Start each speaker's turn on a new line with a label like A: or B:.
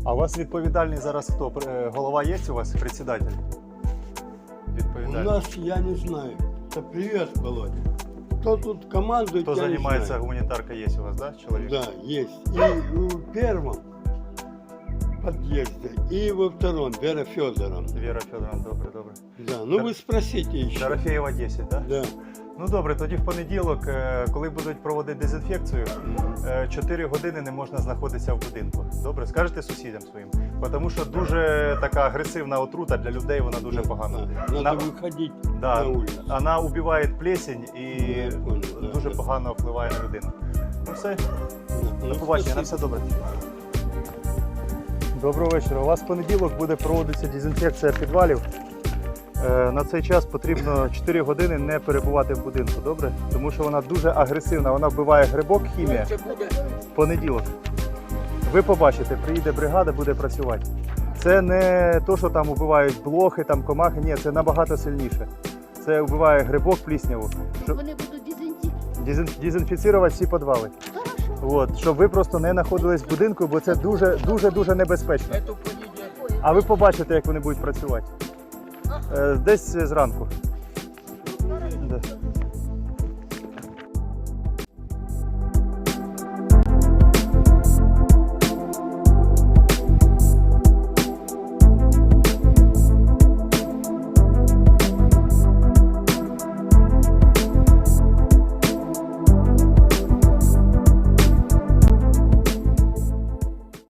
A: А у вас відповідальний зараз хто? Голова є у вас? Председатель?
B: У
A: Відповідальний.
B: нас, я не знаю. Это привет, Володя. Кто тут командует,
A: Хто
B: я не
A: займається
B: знаю.
A: гуманітаркою, є у вас, да, чоловік?
B: Да, есть. И в первом подъезде, и во втором, Вера Федоровна.
A: Віра Федоровна, добре, добре.
B: Да, ну вы спросите еще.
A: Дорофєєва 10, так? Да?
B: Да.
A: Ну добре, тоді в понеділок, коли будуть проводити дезінфекцію, 4 години не можна знаходитися в будинку. Добре, скажете сусідям своїм? Тому що дуже така агресивна отрута для людей, вона дуже погана.
B: Надо выходить
A: Да,
B: на улицу.
A: вона убиває плесень і
B: Я понял, да,
A: дуже
B: да.
A: погано впливає на людину. Ну все,
B: Ну,
A: до побачення, на все добре. Доброго вечора. У вас в понеділок буде проводитися дезінфекція підвалів. На цей час потрібно 4 години не перебувати в будинку, добре? Тому що вона дуже агресивна, вона вбиває грибок, хімія. В понеділок. Ви побачите, приїде бригада, буде працювати. Це не то, що там вбивають блохи, там комахи, ні, це набагато сильніше. Це вбиває грибок, плісняву.
C: Вони будуть
A: Дезінфіцірувати всі підвали. От, щоб ви просто не знаходились в будинку, бо це дуже небезпечно. А ви побачите, як вони будуть працювати. Десь зранку.